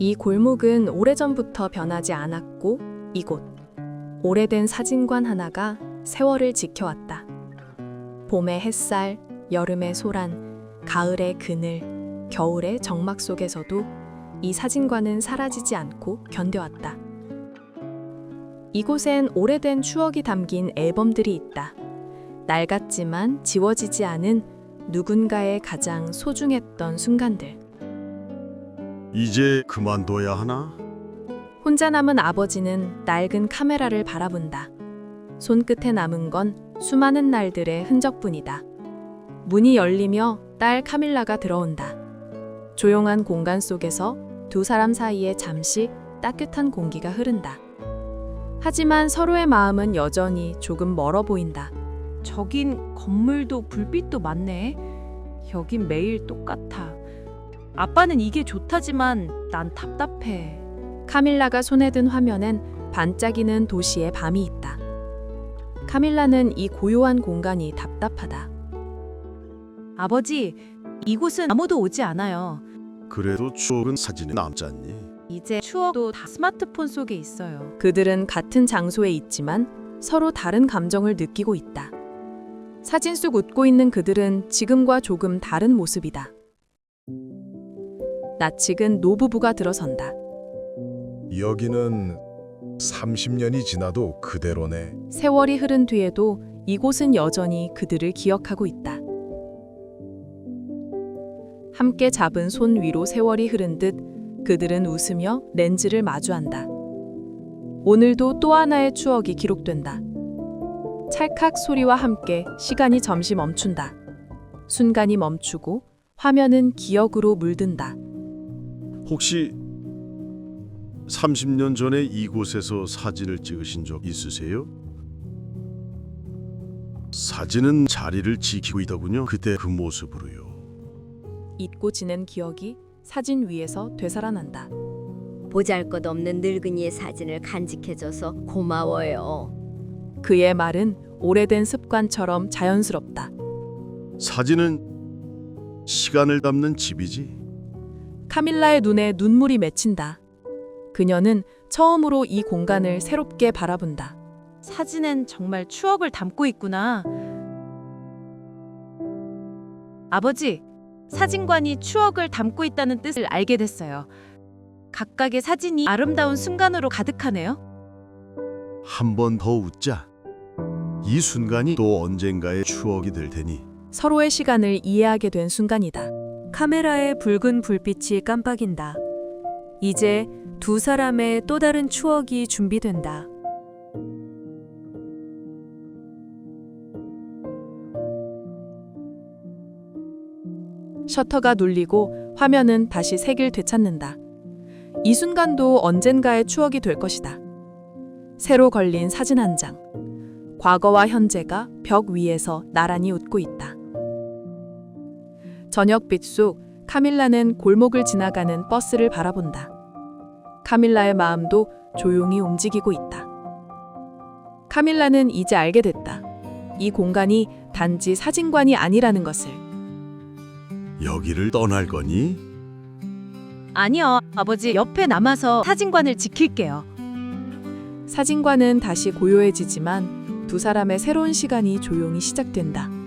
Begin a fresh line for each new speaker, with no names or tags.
이 골목은 오래전부터 변하지 않았고 이곳 오래된 사진관 하나가 세월을 지켜왔다. 봄의 햇살, 여름의 소란, 가을의 그늘, 겨울의 적막 속에서도 이 사진관은 사라지지 않고 견뎌왔다. 이곳엔 오래된 추억이 담긴 앨범들이 있다. 낡았지만 지워지지 않은 누군가의 가장 소중했던 순간들.
이제 그만둬야 하나?
혼자 남은 아버지는 낡은 카메라를 바라본다. 손끝에 남은 건 수많은 날들의 흔적뿐이다. 문이 열리며 딸 카밀라가 들어온다. 조용한 공간 속에서 두 사람 사이에 잠시 따뜻한 공기가 흐른다. 하지만 서로의 마음은 여전히 조금 멀어 보인다.
저긴 건물도 불빛도 많네. 여긴 매일 똑같아. 아빠는 이게 좋다지만 난 답답해.
카밀라가 손에 든 화면엔 반짝이는 도시의 밤이 있다. 카밀라는 이 고요한 공간이 답답하다.
아버지, 이곳은 아무도 오지 않아요.
그래도 추억은 사진에 남지 않니?
이제 추억도 다 스마트폰 속에 있어요.
그들은 같은 장소에 있지만 서로 다른 감정을 느끼고 있다. 사진 속 웃고 있는 그들은 지금과 조금 다른 모습이다. 낯익은 노부부가 들어선다.
여기는 30년이 지나도 그대로네.
세월이 흐른 뒤에도 이곳은 여전히 그들을 기억하고 있다. 함께 잡은 손 위로 세월이 흐른 듯 그들은 웃으며 렌즈를 마주한다. 오늘도 또 하나의 추억이 기록된다. 찰칵 소리와 함께 시간이 잠시 멈춘다. 순간이 멈추고 화면은 기억으로 물든다.
혹시 30년 전에 이곳에서 사진을 찍으신 적 있으세요? 사진은 자리를 지키고 있더군요. 그때 그 모습으로요.
잊고 지낸 기억이 사진 위에서 되살아난다.
보잘것없는 늙은이의 사진을 간직해줘서 고마워요.
그의 말은 오래된 습관처럼 자연스럽다.
사진은 시간을 담는 집이지.
카밀라의 눈에 눈물이 맺힌다. 그녀는 처음으로 이 공간을 새롭게 바라본다.
사진엔 정말 추억을 담고 있구나. 아버지, 사진관이 추억을 담고 있다는 뜻을 알게 됐어요. 각각의 사진이 아름다운 순간으로 가득하네요.
한 번 더 웃자. 이 순간이 또 언젠가의 추억이 될 테니.
서로의 시간을 이해하게 된 순간이다.
카메라의 붉은 불빛이 깜빡인다. 이제 두 사람의 또 다른 추억이 준비된다.
셔터가 눌리고 화면은 다시 색을 되찾는다. 이 순간도 언젠가의 추억이 될 것이다. 새로 걸린 사진 한 장. 과거와 현재가 벽 위에서 나란히 웃고 있다. 저녁빛 속 카밀라는 골목을 지나가는 버스를 바라본다. 카밀라의 마음도 조용히 움직이고 있다. 카밀라는 이제 알게 됐다. 이 공간이 단지 사진관이 아니라는 것을.
여기를 떠날 거니?
아니요, 아버지 옆에 남아서 사진관을 지킬게요.
사진관은 다시 고요해지지만 두 사람의 새로운 시간이 조용히 시작된다.